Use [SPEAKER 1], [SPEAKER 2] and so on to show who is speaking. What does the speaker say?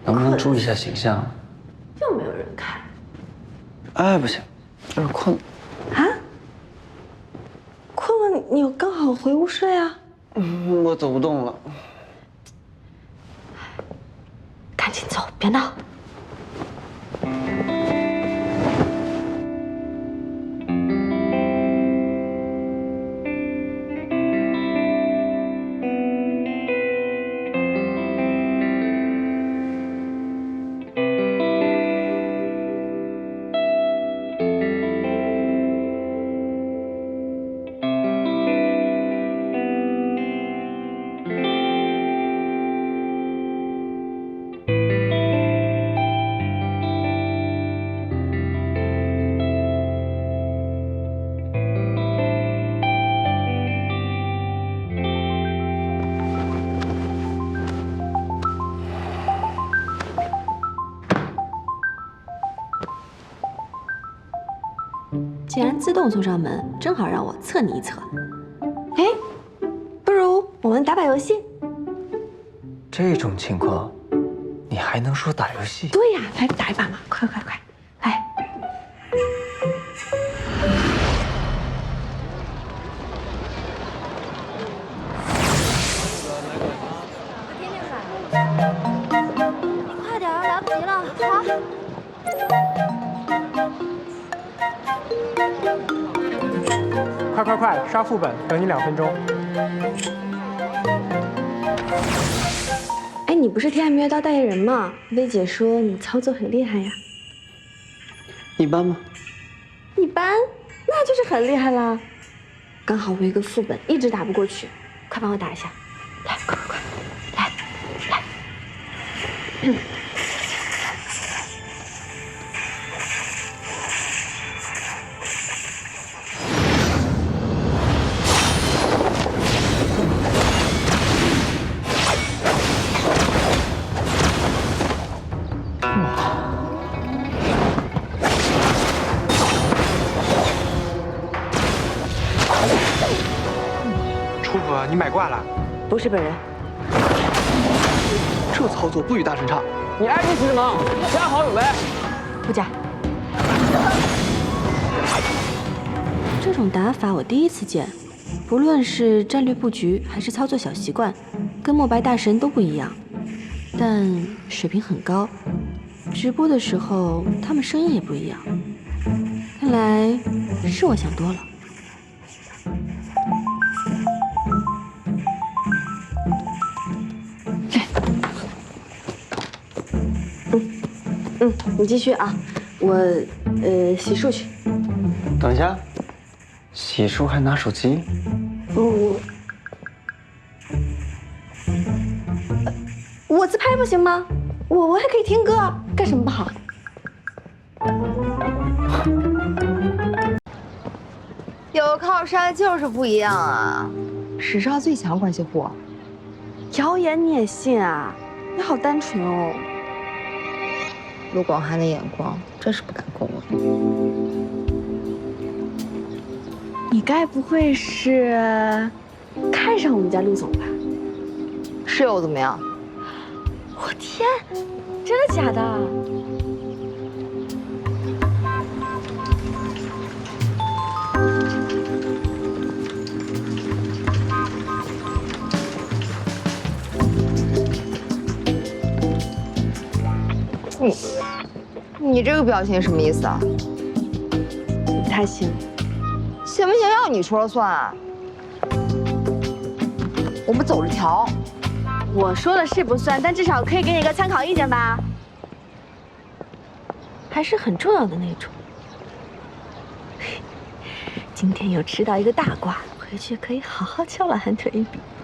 [SPEAKER 1] 能不能注意一下形象？
[SPEAKER 2] 又没有人看。
[SPEAKER 1] 哎，不行，有点困。
[SPEAKER 2] 啊？困了，你刚好回屋睡啊。
[SPEAKER 1] 我走不动了。
[SPEAKER 2] 赶紧走，别闹。既然自动送上门，正好让我测你一测。哎，不如我们打把游戏？
[SPEAKER 1] 这种情况，你还能说打游戏？
[SPEAKER 2] 对呀，来打一把嘛！快快快，来！
[SPEAKER 3] 快点，来不及了！好。
[SPEAKER 4] 快，刷副本，等你2分钟。
[SPEAKER 2] 哎，你不是天涯明月刀代言人吗？薇姐说你操作很厉害呀。
[SPEAKER 1] 一般吗？
[SPEAKER 2] 一般，那就是很厉害啦。刚好我有一个副本一直打不过去，快帮我打一下。来，快，来。
[SPEAKER 4] 楚府，你买挂了？
[SPEAKER 2] 不是本人。
[SPEAKER 5] 这操作不与大神差。
[SPEAKER 6] 你爱听什么？加好友呗。
[SPEAKER 2] 不加。这种打法我第一次见，不论是战略布局还是操作小习惯，跟墨白大神都不一样，但水平很高。直播的时候他们声音也不一样，看来是我想多了。你继续啊，我洗漱去。
[SPEAKER 1] 等一下，洗漱还拿手机？
[SPEAKER 2] 我自拍不行吗？我还可以听歌，干什么不好？
[SPEAKER 3] 有靠山就是不一样啊！史上最强关系户，
[SPEAKER 2] 谣言你也信啊？你好单纯哦。
[SPEAKER 3] 陆广涵的眼光真是不敢跟我比。
[SPEAKER 2] 你该不会是看上我们家陆总吧？
[SPEAKER 3] 是又怎么样？
[SPEAKER 2] 我天，真的假的？
[SPEAKER 3] 你这个表情什么意思啊？
[SPEAKER 2] 不太行。
[SPEAKER 3] 行不行要你说了算啊？我们走着瞧。
[SPEAKER 2] 我说了是不算，但至少可以给你个参考意见吧，还是很重要的那种。今天又吃到一个大瓜，回去可以好好敲老韩腿一笔。